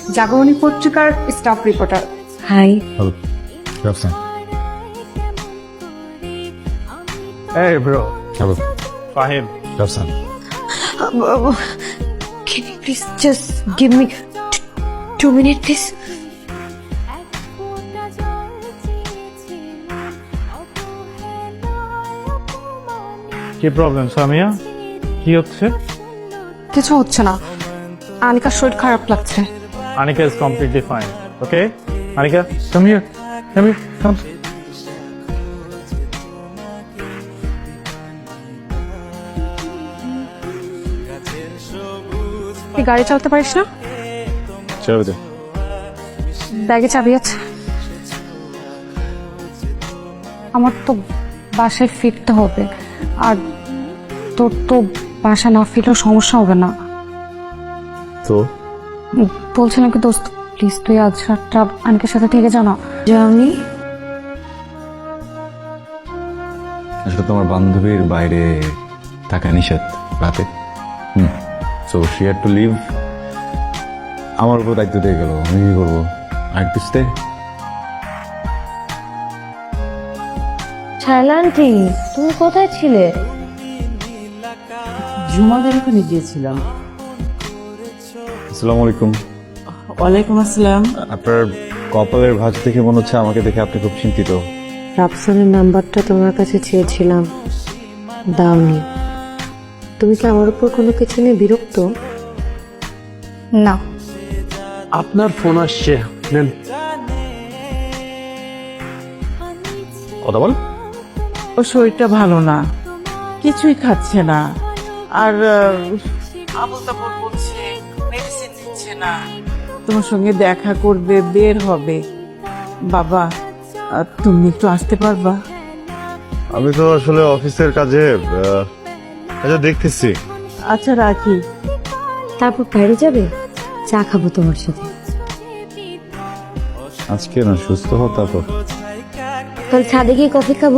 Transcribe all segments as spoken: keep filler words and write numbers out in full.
জাগরণী পত্রিকার staff reporter. Hi. Hello. Rafsan. Hey bro, Hello. Fahim. Rafsan. Can you please just give me t- two minutes, please? কি problem Samia? কি হচ্ছে? কিছু হচ্ছে না, আনিকার শরীর খারাপ লাগছে। Anika is completely fine. Okay? Anika, come here. Come here. Come. তুই গাড়ি চালাতে পারিস না? চাবি দে। ব্যাগে চাবি আছে। আমার তো বাসায় ফিরতে হবে, আর তোর তো বাসা না ফিরলেও সমস্যা হবে না। তো বলছিলাম কি দোস্ত, প্লিজ তুই আজ রাতটা আনিকার সাথে থেকে জানা। জানি। আসলে তোমার বান্ধবীর বাইরে থাকা নিষেধ রাতে। Hmm so she had to leave. আমার উপর দায়িত্ব দিয়ে গেল, আমি কি করবো? I to stay. Shaila aunty, তুমি কোথায় ছিলে? জুমাদের ওখানে গিয়েছিলাম। আসসালামু আলাইকুম। ওয়ালাইকুম আসসালাম। আপনার কপালের ভাঁজ দেখে মনে হচ্ছে আমাকে দেখে আপনি খুব চিন্তিত। রাফসানের নাম্বারটা তোমার কাছে চেয়েছিলাম, দাওনি। তুমি কি আমার উপর কোনো কিছু নিয়ে বিরক্ত? না, আপনার ফোন আসছে, নেন কথা বল। ও শরীরটা ভালো না, কিছুই খাচ্ছে না, আর আবল তাবল বলছে, মেডিসিন দিচ্ছে না। তোমার সঙ্গে দেখা করবে, বের হবে। বাবা, আহ, তুমি একটু আসতে পারবা? আমি তো আসলে অফিসের কাজে আহ, কাজে দেখতেছি। আচ্ছা রাখি। তারপর বাইরে যাবে, চা খাবো তোমার সাথে। আজকে না সুস্থ হও তারপর। কাল ছাদে গিয়ে কফি খাবো।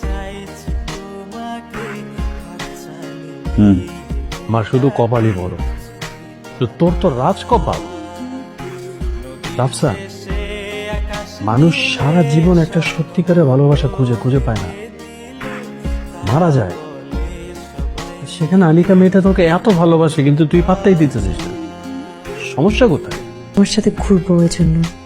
হুম মা শুধু কপালই বড়, তো তোর তো রাজ কপাল। রাফসান, মানুষ সারা জীবন একটা সত্যিকারের ভালোবাসা খুঁজে খুঁজে পায় না, মারা যায়। সেখানে আনিকা মেয়েটা তোকে এত ভালোবাসে, কিন্তু তুই পাত্তাই দিতেছিস না। সমস্যা কোথায়? তোমার সাথে ঘুরবো ওই জন্য।